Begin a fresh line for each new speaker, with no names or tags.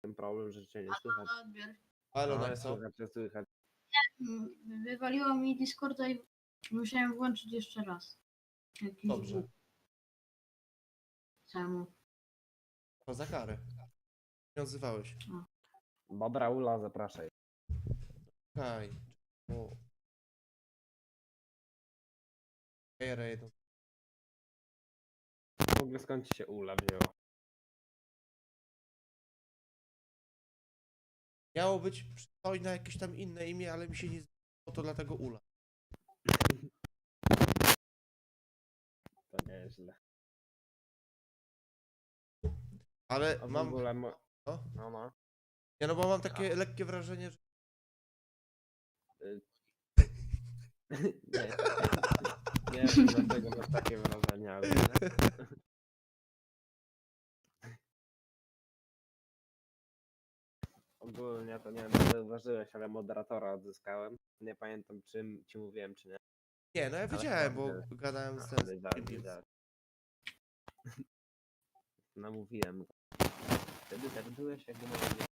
ten problem, że cię nie słychać.
Na odbiór.
Halo,
No,
Nexo.
słychać.
Wywaliło mi Discorda i musiałem włączyć jeszcze raz. Jakiś
Dobrze.
bóg. Czemu?
To za karę. Nie odzywałeś.
Dobra, Ula, zapraszaj.
Okej. O. Raiden.
W ogóle skąd ci się Ula wzięła?
Miało być przystojne jakieś tam inne imię, ale mi się nie zdało, to dlatego Ula.
To nieźle.
Ale
A w
mam...
ogóle...
No?
No.
Nie, no bo mam takie lekkie wrażenie, że...
Nie. Nie wiem dlaczego masz takie wrażenie, ale... Ogólnie to nie wiem, czy zauważyłeś, ale moderatora odzyskałem. Nie pamiętam czym ci mówiłem, czy nie.
Nie, no ja
Ale
wiedziałem,
chyba
bo
wiedziałeś.
gadałem z
Aha,
tym...
wiedziałem, wiedziałem. Namówiłem go. Wtedy tak byłeś, jakby może nie